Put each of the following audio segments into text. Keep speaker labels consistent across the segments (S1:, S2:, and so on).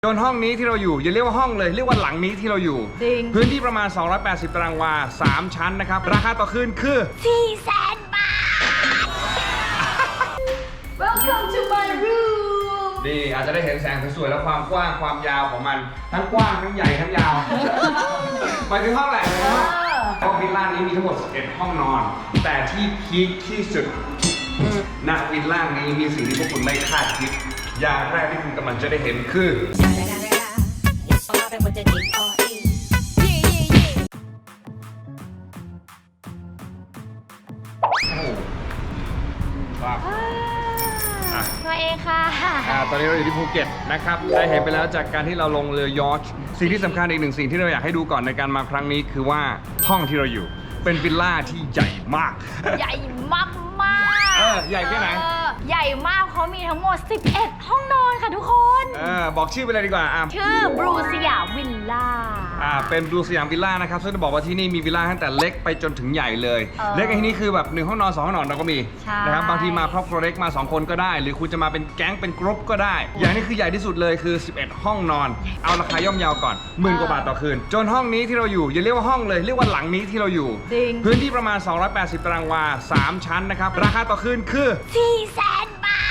S1: โซนห้องนี้ที่เราอยู่อย่าเรียกว่าห้องเลยเรียกว่าหลังนี้ที่เราอยู่
S2: จริง
S1: พื้นที่ประมาณ280ตารางวา3ชั้นนะครับราคาต่อคืนคือ
S2: 400,000 บาท Welcome to my room
S1: นี่อาจจะได้เห็นแสงสวยๆและความกว้างความยาวของมันทั้งกว้างทั้งใหญ่ทั้งยาวหมายถึงห้องแหละนะครับเพราะวิลล่านี้มีทั้งหมด11ห้องนอนแต่ที่พีคที่สุดณวิลล่านี้มีสิ่งที่พวกคุณไม่คาดคิดอย่างแรกที่คุณกำลังจะได้เห็นคือ
S2: มาเองค่ะ
S1: ตอนนี้เราอยู่ที่ภูเก็ตนะครับได้เห็นไปแล้วจากการที่เราลงเรือยอชท์สิ่งที่สำคัญอีกหนึ่งสิ่งที่เราอยากให้ดูก่อนในการมาครั้งนี้คือว่าห้องที่เราอยู่เป็นวิลล่าที่ใหญ่มาก
S2: ใหญ่มาก
S1: ใหญ่แค่ไหน
S2: ใหญ่มากเขามีทั้งหมด11ห้องนอนค่ะทุกคน
S1: บอกชื่อไปเลยดีกว่า
S2: ชื่อบลูสยามวิลล่า
S1: เป็นบลูสยามวิลล่านะครับซึ่งจะบอกว่าที่นี่มีวิลล่าตั้งแต่เล็กไปจนถึงใหญ่เลยเล็กในที่นี้คือแบบ1ห้องนอน2ห้องนอนเราก็มีนะครับบางทีมาครอบครัวเล็กมา2คนก็ได้หรือคุณจะมาเป็นแก๊งเป็นกรุ๊ปก็ได้อย่างนี้คือใหญ่ที่สุดเลยคือ11ห้องนอนเอาราคาย่อมเยาวก่อน10,000 กว่าบาทต่อคืนจนห้องนี้ที่เราอยู่อย่าเรียกว่าห้องเลยเรียกว่าหลังนี้ที่เราอยู่พื้นที่ประมาณ280ตารางวา3ชั้นนะครับราคาต่อคืนคือ
S2: 400,000 บาท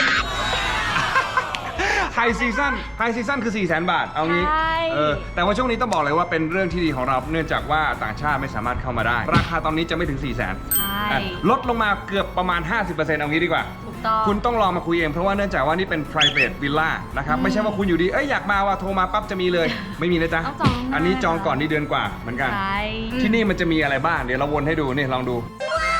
S1: ไฮซีซั่นคือ 400,000 บาทเอางี้แต่ว่าช่วงนี้ต้องบอกเลยว่าเป็นเรื่องที่ดีของเราเนื่องจากว่าต่างชาติไม่สามารถเข้ามาได้ราคาตอนนี้จะไม่ถึง 400,000 ลดลงมาเกือบประมาณ 50% เอางี้ดีกว่าคุณต้องลองมาคุยเองเพราะว่าเนื่องจากว่านี่เป็น private villa นะครับไม่ใช่ว่าคุณอยู่ดีอยากมาว่าโทรมาปั๊บจะมีเลยไม่มีนะจ๊ะอันนี้จองก่อนนี่เดือนกว่าเหมือนกันที่นี่มันจะมีอะไรบ้างเดี๋ยวเราวนให้ดูนี่ลองดู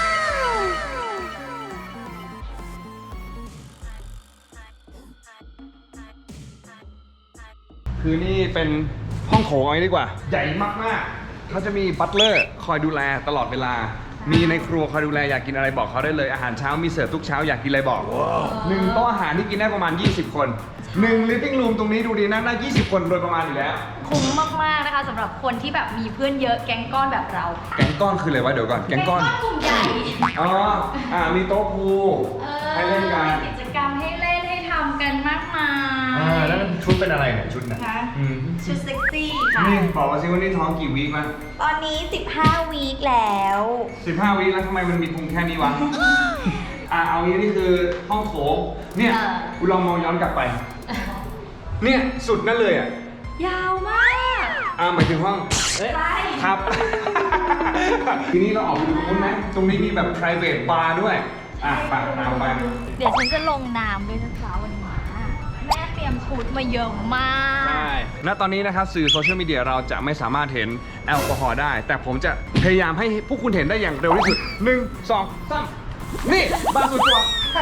S1: คือนี่เป็นห้องโถงอะไรดีกว่าใหญ่มากๆเขาจะมีบัตเลอร์คอยดูแลตลอดเวลามีในครัวคอยดูแลอยากกินอะไรบอกเขาได้เลยอาหารเช้ามีเสิร์ฟทุกเช้าอยากกินอะไรบอก1 โต๊ะอาหารที่กินได้ประมาณ20 คน1 living room ตรงนี้ดูดีนั่งได้20 คนโดยประมาณอยู่แล้ว
S2: คุ้มมากๆนะคะสำหรับคนที่แบบมีเพื่อนเยอะแก๊งก้อนแบบเรา
S1: แก๊งก้อนคืออะไรวะเดี๋ยวก่อนแก๊งก้อน
S2: กลุ่มใหญ่
S1: มีโต๊ะพูลให้เล่นกัน
S2: กิจกรรมให้เล่นให้ทำกันมากมาย
S1: แล้วชุดเป็นอะไรเนี่ยชุดเนี่ย
S2: ชุดเซ็กซี่ค่ะ
S1: นี่บอกมาสิว่านี่ท้องกี่วีคมา
S2: ตอนนี้15 วีคแล้ว
S1: 15 วีคแล้วทำไมมันมีพุงแค่นี้วะเอางี้นี่คือห้องโถงเนี่ยคุณลองมองย้อนกลับไปเนี่ยสุดนั่นเลย
S2: ยาวมาก
S1: หมายถึงห้อง
S2: ใช่
S1: ครับทีนี้เราออกไปดูตรงนั้นตรงนี้มีแบบ private bar ด้วยไปตามไป
S2: เดี๋ยวฉันจะลงน้ำด้วยนะจ๊ะวันนี้แม่เตรียมชุดมาเยอะมาก
S1: ใช่ณตอนนี้นะครับสื่อโซเชียลมีเดียเราจะไม่สามารถเห็นแอลกอฮอล์ได้แต่ผมจะพยายามให้พวกคุณเห็นได้อย่างเร็วที่สุด1 2 3นี่บาสุดตัว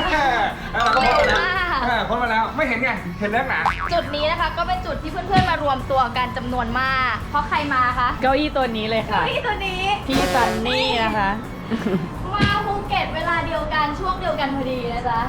S1: พ้นมาแล้วไม่เห็นไงเห็นแล้วนะ
S2: จุดนี้นะคะก็เป็นจุดที่เพื่อนๆมารวมตัวกันจำนวนมากเพราะใครมาคะ
S3: เก้าอี้ตัวนี้เลยค่ะ
S2: เก้าอี้ตัวนี้
S3: พี่ซันนี่นะคะ
S2: มาภูเก็ตเวลาเดียวกันช่วงเดียวกันพอดีนะจ๊ะ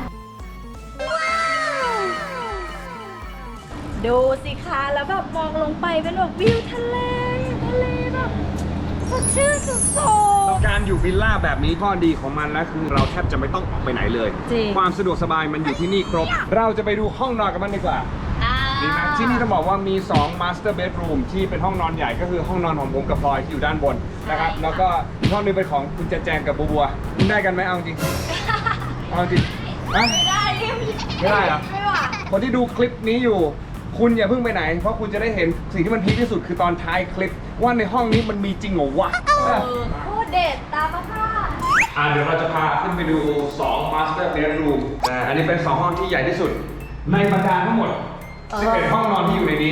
S2: ดูสิคะแล้วแบบมองลงไปเป็นแบบวิวทะเลแบบสดชื่นสุด
S1: ๆการอยู่วิลล่าแบบนี้ข้อดีของมันนะคือเราแทบจะไม่ต้องออกไปไหนเลยความสะดวกสบายมันอยู่ที่นี่ครบเราจะไปดูห้องนอนกันบ้างดีกว่าดีไหมที่นี่ต้องบอกว่ามี2 master bedroom ที่เป็นห้องนอนใหญ่ก็คือห้องนอนของผมกับพลอยที่อยู่ด้านบนนะครับแล้วก็อีกห้องนึงเป็นของคุณแจงกับบัวคุณได้กันไหมเอาจริงเอาจริง
S2: ไม่ได้
S1: เหรอคนที่ดูคลิปนี้อยู่คุณอย่าเพิ่งไปไหนเพราะคุณจะได้เห็นสิ่งที่มันพีคที่สุดคือตอนท้ายคลิปว่าในห้องนี้มันมีจริงเหรอวะ
S2: โคตรเด็ดตามมาค่ะ
S1: เดี๋ยวเราจะพาขึ้นไปดู2 master bedroom อันนี้เป็น2 ห้องที่ใหญ่ที่สุดในบรรดาทั้งหมด11 ห้องนอนที่อยู่ในนี้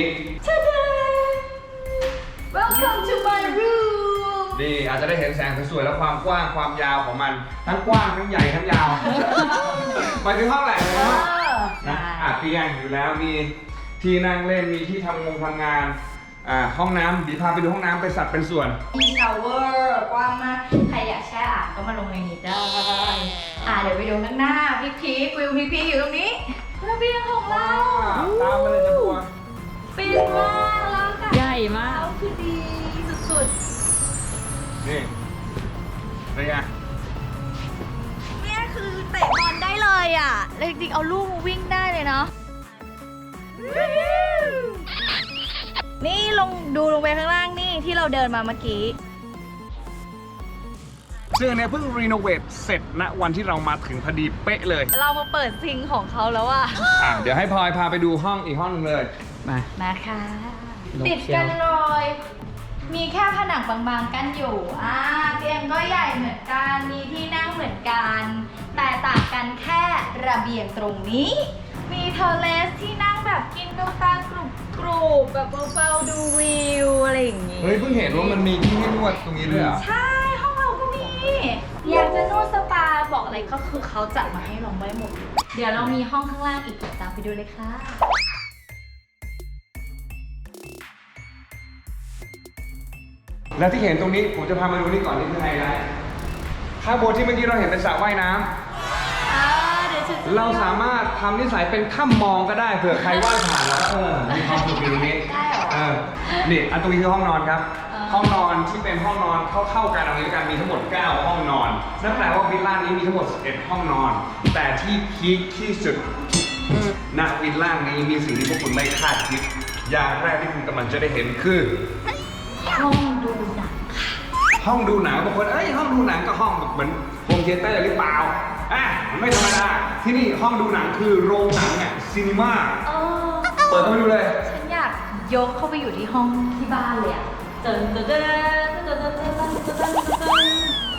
S2: Welcome to my room
S1: นี่อาจจะได้เห็นแสงสวยๆและความกว้างความยาวของมันทั้งกว้างทั้งใหญ่ทั้งยาวหมายถึงห้องแหละนะเตียงอยู่แล้วมีที่นั่งเล่นมีที่ทำงานห้องน้ำดีพาไปดูห้องน้ำไปสัดเป็นส่วน
S2: มีชาวเวอร์กว้างมากใครอยากแช่อ่างก็มาลงในนี้ได้เดี๋ยวไปดูข้างหน้าพีควิวพีคอยู่ตรงนี้ระเบียงของเรา
S1: ตามมาเลยจะบัว
S2: ปิดมากแล้วกัน
S3: ใหญ่มาก
S2: คือดีสุด
S1: ๆนี่เป็นไง
S2: เนี่ยคือเตะบอลได้เลยจริงๆเอาลูกมาวิ่งได้เลยเนาะต้องดูลงไปข้างล่างนี่ที่เราเดินมาเมื่อกี้
S1: ซึ่งอันเนี้ยเพิ่งรีโนเวทเสร็จณวันที่เรามาถึงพอดีเป๊ะเลย
S2: เรามาเปิดซิงของเขาแล้วอะ
S1: เดี๋ยวให้พลอยพาไปดูห้องอีกห้องนึงเลยมา
S2: นะคะ
S3: ลง
S2: ติด
S3: เชียว
S2: กันเลยมีแค่ผนังบางๆกันอยู่เตียงก็ใหญ่เหมือนกันมีที่นั่งเหมือนกัน แต่ต่างกันแค่ระเบียงตรงนี้ มีเทอร์เลสที่นั่งแบบกินกาแฟกรุบๆแบบเบาๆดูวิวอะไรอย่างงี้
S1: เฮ้ยเพิ่งเห็นว่ามันมีที่ให้นวดตรงนี้ด้วยเหรอ
S2: ใช่ห้องเราก็มี อยากจะนวดสปาบอกอะไรก็คือเขาจัดมาให้เราไม่หมด เดี๋ยวเรามีห้องข้างล่างอีกตามไปดูเลยค่ะ
S1: แล้วที่เห็นตรงนี้ผมจะพามาดูนี่ก่อนนี่คือไฮไลท์ข้างบนที่เมื่อกี้เราเห็นเป็นสระว่ายน้ำ
S2: เดี๋ยวฉันจะ
S1: เราสามารถทำนิสัยเป็นข้ามมองก็ได้เผื่อใครว่างผ่านแล้วมีความสุขอยู่ตรงนี้
S2: ได้เหรอ
S1: นี่อันตรงนี้คือห้องนอนครับ
S2: อ่า
S1: ห้องนอนที่เป็นห้องนอนเข้าๆกันเอางี้กันมีทั้งหมด 9 ห้องนอนนั่นแปลว่าวิลล่านี้มีทั้งหมด 11 ห้องนอน แต่ที่พีคที่สุดณวิลล่านี้มีสิ่งที่พวกคุณไม่คาดคิดอย่างแรกที่คุณกำลังจะได้เห็นคือ
S2: ห้องดูหนัง
S1: ห้องดูหนังบางคนห้องดูหนังก็ห้องแบบเหมือนโฮมเธียเตอร์หรือเปล่ามันไม่ธรรมดาที่นี่ห้องดูหนังคือโรงหนังซีนีมา
S2: เออ
S1: เปิดเข้าไปดูเลย
S2: ฉันอยากยกเข้าไปอยู่ที่ห้องที่บ้านเลยอะเจนเจนเจนเจนเจนเจนเจนเจนเจนเจน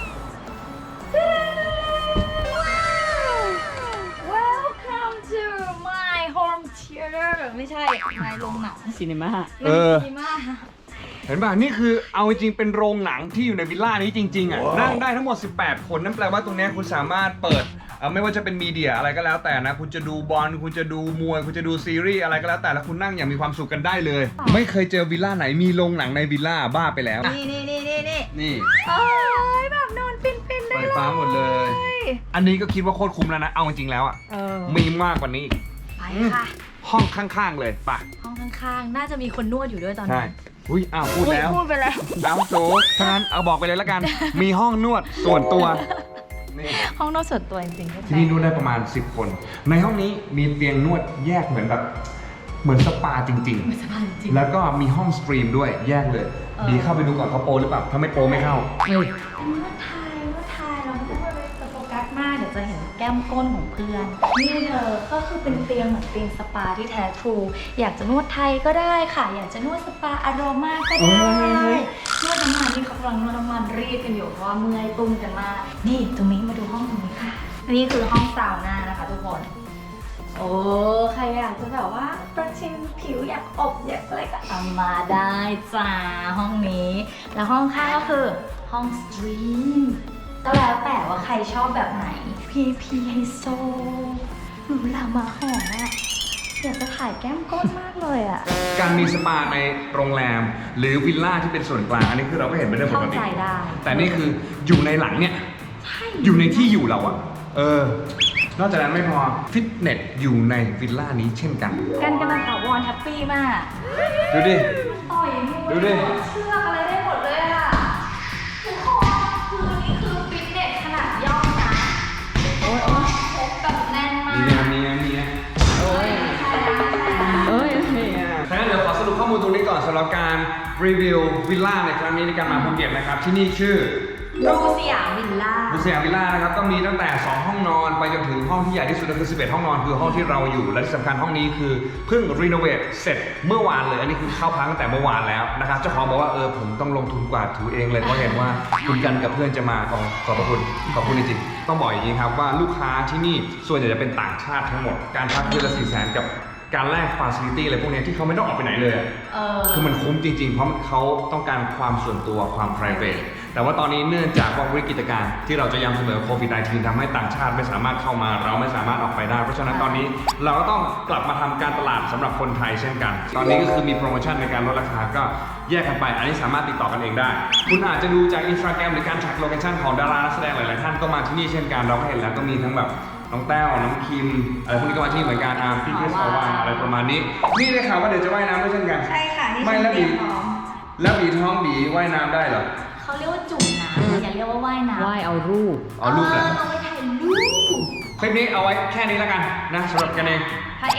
S2: Welcome to my home theater ไม่ใช่ my โรงหนัง
S3: ซีนีมา
S2: ดีมาก
S1: เห็นป่ะนี่คือเอาจริงๆเป็นโรงหนังที่อยู่ในวิลล่านี้จริงๆนั่งได้ทั้งหมด 18 คนนั่นแปลว่าตรงเนี้ยคุณสามารถเปิดไม่ว่าจะเป็นมีเดียอะไรก็แล้วแต่นะคุณจะดูบอลคุณจะดูมวยคุณจะดูซีรีส์อะไรก็แล้วแต่แล้วคุณนั่งอย่างมีความสุขกันได้เลย ไม่เคยเจอวิลล่าไหนมีโรงหนังในวิลล่าบ้าไปแล้ว
S2: นี่
S1: นี่
S2: โอ้ยแบบนอนฟินๆได้
S1: ไฟ
S2: เลย
S1: ฟ้าหมดเลย อันนี้ก็คิดว่าโคตรคุ้มแล้วนะเอาจริงๆแล้วมีมากกว่านี้อีก
S2: ไปค่ะ
S1: ห้องข้างๆเลยป่ะ
S2: ห้องข้างๆ น่าจะมีคนนวดอยู่ด้วยตอน
S1: ใช่
S2: นี้
S1: อุ้ยพูดแล้ว
S2: พูดไปแล้ว
S1: เอาโจถ้างั้นเอาบอกไปเลยแล้วกัน มีห้องนวดส่วนตัวนี่
S2: ห้องนวดส่วนตัวจริงๆ
S1: ที่นี่นวดได้ประมาณ 10 คน ในห้องนี้มีเตียงนวดแยกเหมือนแบบเหมือนสปาจริง
S2: ไม่สบายจริง
S1: ๆ แล้วก็มีห้องสตรีมด้วยแยกเลย ดีเข้าไปดูก่อนเขาโปรหรือเปล่า ถ้าไม่โปรไม่เข้า
S2: นวดไทยเราไม่ต้องไปโฟกัสมากเดี๋ยวจะเห็นแก้มก้นของเพื่อน นี่เธอก็คือเป็นเตียงเหมือนเตียงสปาที่แท้ทรูอยากจะนวดไทยก็ได้ค่ะ อยากจะนวดสปาอโรมาก็ได้ นวดน้ำมันที่เขากำลังนวดน้ำมันรีดกันอยู่เพราะว่าเมื่อยตุ้มกันมาก นี่ตรงนี้มาดูห้องตรงนี้ค่ะ อันนี้คือห้องซาวน่านะคะทุกคน โอ้ใครอยากจะแบบว่าประชิมผิวอยากอบอยากอะไรก็เอามาได้จ้าห้องนี้ แล้วห้องข้างก็คือห้องสตรีมก็แล้วแต่ว่าใครชอบแบบไหน พีไฮโซหรูหรามาหอมอะอยากจะถ่ายแก้มก้นมากเลยอะ
S1: การมีสปาในโรงแรม หรือวิลล่าที่เป็นส่วนกลาง อันนี้คือเราก็เห็นเป็นเรื่องป
S2: เข้าก
S1: ติ
S2: ใจได้
S1: แต่นี่คืออยู่ในหลังเนี่ย
S2: ใช่
S1: อยู่ในที่อยู่เรานอกจากนั้นไม่พอฟิตเนสอยู่ในวิลล่านี้เช่นกัน
S2: กันกำลังถาวรแฮปปี้มาก
S1: ดูดิ
S2: ต่อยมวย
S1: ดูดิ
S2: เชือกอะไรได้หมดเลยอะทุกคนคือนี่คือฟิตเนสขนาดย่อมนะโอ้ยครบแบบแน่นมาก
S1: มีนะ
S3: โอ้ย เอ้ย
S1: ฉะนั้นเดี๋ยวขอสรุปข้อมูลตรงนี้ก่อนสำหรับการรีวิววิลล่าในครั้งนี้ในการมาภูเก็ตนะครับ ที่นี่ชื่อ
S2: รูสยามวิลล่า
S1: บุษยาวิลล่านะครับก็มีตั้งแต่ 2 ห้องนอนไปจนถึงห้องที่ใหญ่ที่สุดก็คือ 11 ห้องนอนคือห้องที่เราอยู่ และที่สำคัญห้องนี้คือเพิ่งรีโนเวทเสร็จเมื่อวานเลย อันนี้คือเข้าพักตั้งแต่เมื่อวานแล้วนะครับเจ้าของบอกว่าผมต้องลงทุนกวาดถูเองเลยเพราะเห็นว่าคุณกันกับเพื่อนจะมาขอบพระคุณขอบคุณจริงๆต้องบอกอย่างนี้ครับว่าลูกค้าที่นี่ส่วนใหญ่จะเป็นต่างชาติทั้งหมดการพักคืนละ400,000กับการแลกฟาซิลิตี้อะไรพวกนี้ที่เขาไม่ต้องออกไปไหนเลย คือมันคุ้มจริงๆ เพราะเขาต้องการความส่วนตัวความ private แต่ว่าตอนนี้เนื่องจากว่าวิกฤตการณ์ที่เราจะย้ำเสมอโควิด -19 ทำให้ต่างชาติไม่สามารถเข้ามาเราไม่สามารถออกไปได้ เพราะฉะนั้นตอนนี้เราก็ต้องกลับมาทำการตลาดสำหรับคนไทยเช่นกัน ตอนนี้ก็คือมีโปรโมชั่นในการลดราคาก็แยกกันไป อันนี้สามารถติดต่อกันเองได้ คุณอาจจะดูจาก Instagram หรือการ track location ของดารานักแสดงหลายๆท่านก็มาที่นี่เช่นกันเราก็เห็นแล้วก็มีทั้งแบบน้องแต้วน้องคิมอะไรพวกนี้ก็มาที่เหมือนกันพี่คริสเอาวานอะไรประมาณนี้นี่ได้ข่าวว่าเดี๋ยวจะว่ายน้ำด้วยเช่นกัน
S2: ใช่ค่ะที่
S1: ไม่
S2: ฉัน
S1: แล้ว
S2: เตรี
S1: บี
S2: ยมพร้อม
S1: แล้วบีท้องบีว่ายน้ำได้เหรอ
S2: เขาเรียกว่าจุ่มน้ำอย่าเรียกว่าว่ายน้ำ
S3: ไหว้เอารูป
S1: เอารูปแหละ
S2: เราไปถ่ายรูป
S1: คลิปนี้เอาไว้แค่นี้แล้วกันนะสำหรับกันเอง
S2: ถ่ายเองค่ะ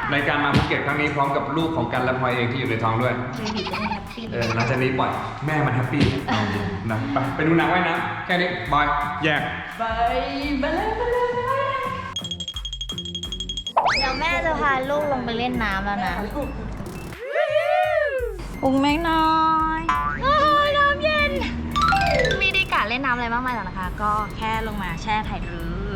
S1: ในการมาภูเก็ตครั้งนี้พร้อมกับลูกของกันและพลอยเองที่อยู่ในท้องด้วย
S2: เบบีจะได้แฮปปี้
S1: หลังจากนี้ปล่อยแม่มันแฮปปี้นะไปดูหนังไว้นะแค่นี้บายแยก
S2: ไปเลยเดี๋ยวแม่จะพาลูกลงไปเล่นน้ำแล้วนะอุ้งแม่น้อยโอ้ยน้ำเย็นไม่ได้กะเล่นน้ำอะไรมากมายหรอกนะคะ ก็แค่ลงมาแช่ไข่รื้อ